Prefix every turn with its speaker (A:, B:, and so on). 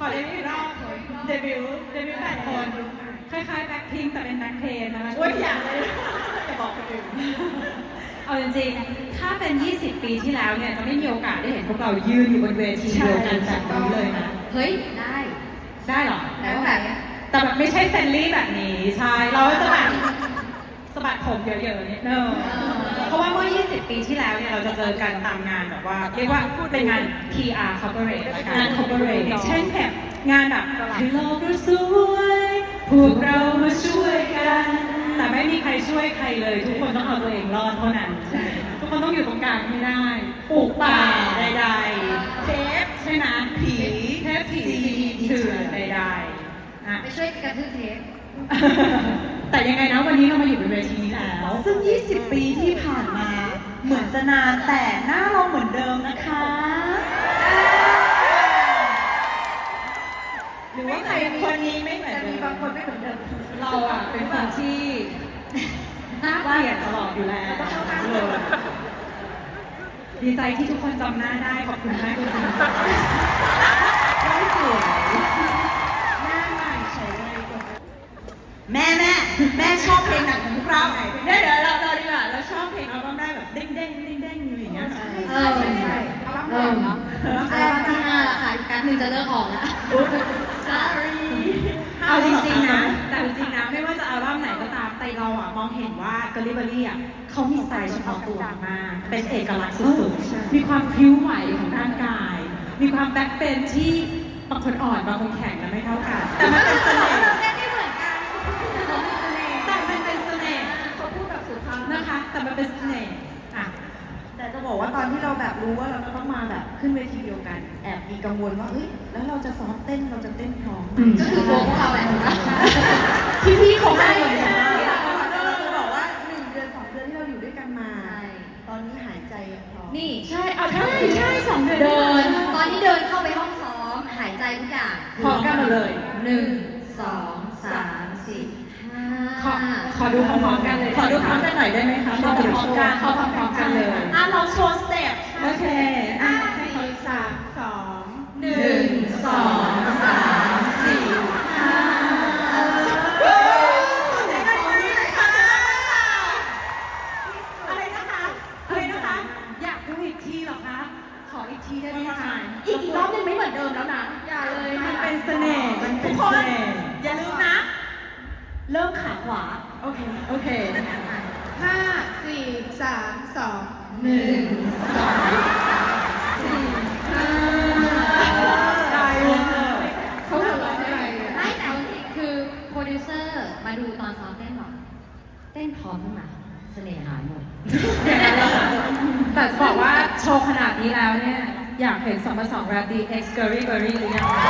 A: อเดบิวต์รอบเดบิวต์8 คนคล้ายๆแบ็คพิงค์แต่เป็นแบ็คเพนนะคะช่วยอย่างเลยจะบอกคนอื่นเอาจริงๆถ้าเป็น20 ปีที่แล้วเนี่ยจะไม่มีโอกาสได้เห็นพวกเรายืนอยู่บนเวทีเดียวกันแบบนี้เลยนะ
B: เฮ้ยได้
A: เหรอ
B: แต่ว่าแบบ
A: แต่แบบไม่ใช่เฟรนลี่แบบนี้ใช่เราจะแบบสะบัดผมเยอะๆนิดนึงเพราะว่าเมื่อ20 ปีที่แล้วเนี่ยเราจะเจอกันตามงานแบบว่าเรียกว่าเป็นงาน PR corporate งาน corporate เช่นแบบงานแบบให้โลกเราสวยพวกเรามาช่วยกันแต่ไม่มีใครช่วยใครเลยทุกคนต้องเอาตัวเองรอดเท่านั้นทุกคนต้องอยู่ตรงกลางให้ได้ปลูกป่าใดๆเทปใช่ไหมผีเทปผีเถื่อนใดๆ
B: ไปช่วยกระทืบเทป
A: แต่ยังไงนะวันนี้เรามาอยู่บนเวทีนี้แล้ว
C: ซึ่ง 20 ปีที่ผ่านมาเหมือนจะนานแต่หน้าเราเหมือนเดิมนะคะ
A: หรือว่าใครคนนี้ไม่เหมือนเดิม
B: มีบางคนไม่เหมือนเดิม
A: เราอ่ะเป็นคนที่น่าเกลียดตลอดอยู่แล้วเลยดีใจที่ทุกคนจำหน้าได้ขอบคุณมากจริงๆไม่สวย
B: หน้าใหม่เฉยเลย
C: แม่ชอบเพลงหนังของพวกเรา
A: เดี๋ยวเราดีกว่าเราชอบเพลงอัลบั้มได้แบบเด้งอยู่อย่างเงี้ย
B: ใช่เอาบ้างเหรอเอาบ้างที่5ละค่ะอีกแป๊บนึงจะเลิกออกแล้ว
C: sorry
A: เอาจริงๆนะแต่จริงๆนะไม่ว่าจะอัลบั้มไหนก็ตามแต่เราอ่ะมองเห็นว่ากอลิเบอรี่อ่ะเขามีสไตล์เฉพาะตัวมากเป็นเอกลักษณ์สุดๆมีความพริ้วไหวของร่างกาย มีความแบ็คเป็นที่บางคนอ่อนบางคนแข็งกันไม่เท่ากันแต่มันเป็นเสน่ห์
B: เราแค่ไม่เหมือนกันเขามีเสน่ห์
A: แต่มันเป็นเสน่ห์
B: เขาพูดแบบสุภาพ
A: นะคะแต่มันเป็นเสน่ห์อ่ะ
C: แต่จะบอกว่าตอนที่เราแบบรู้ว่าเราจะต้องมาแบบขึ้นเวทีเดียวกันแอบมีกังวลว่าเฮ้ยแล้วเราจะซ้อมเต้นเราจะเต้นพร้อม
B: ก็คือตัวพวกเราแหละ
C: พี่เขาได้เหมือนกันเราจะบอกว่า1 เดือน 2 เดือนที่เราอยู่ด้วยกันมา ตอนนี้หายใจพร้อม
B: นี่
A: ใช่เอาใช่2 เดือน
B: เดินตอนที่เดินเข้าไปห้องซ้อมหายใจทุกอย่าง
A: พร้อมกันหมดเลย
B: 1 2 3 4
A: ขอดูพร้อมๆกันเลยขอดูพร้อมกันหน่อยได้ไหมคะเข้าพร้อมกันเข้าพร้อมกันเลย
C: เราโชว์สเต็ป
A: โอเคอ่ะ
C: 4 3 2
B: 1 2 3 4
A: อะไรนะคะอยากดูอีกทีเหรอคะขออีกทีได้ไหมคะ
B: อีกรอบนึงไม่เหมือนเดิมแล้วนะอย่าเลย
A: มันเป็นเสน่ห์มันเป็นเสน่ห์
C: อย่าลืมนะ เริ่มขาขวา
A: โอเค
B: 5 4 3 2 1 2
A: ได้เลย
B: เขาหัวเราะอะไรไม่แต่คือโปรดิวเซอร์มาดูตอนซ้อมเต้นบอกเต้นพร้อมขึ้นมาเสน่ห์หายหมด
A: แต่จะบอกว่าโชว์ขนาดนี้แล้วเนี่ยอยากเห็น2+2 Rabbit X Scurry Berry หรือยังคะ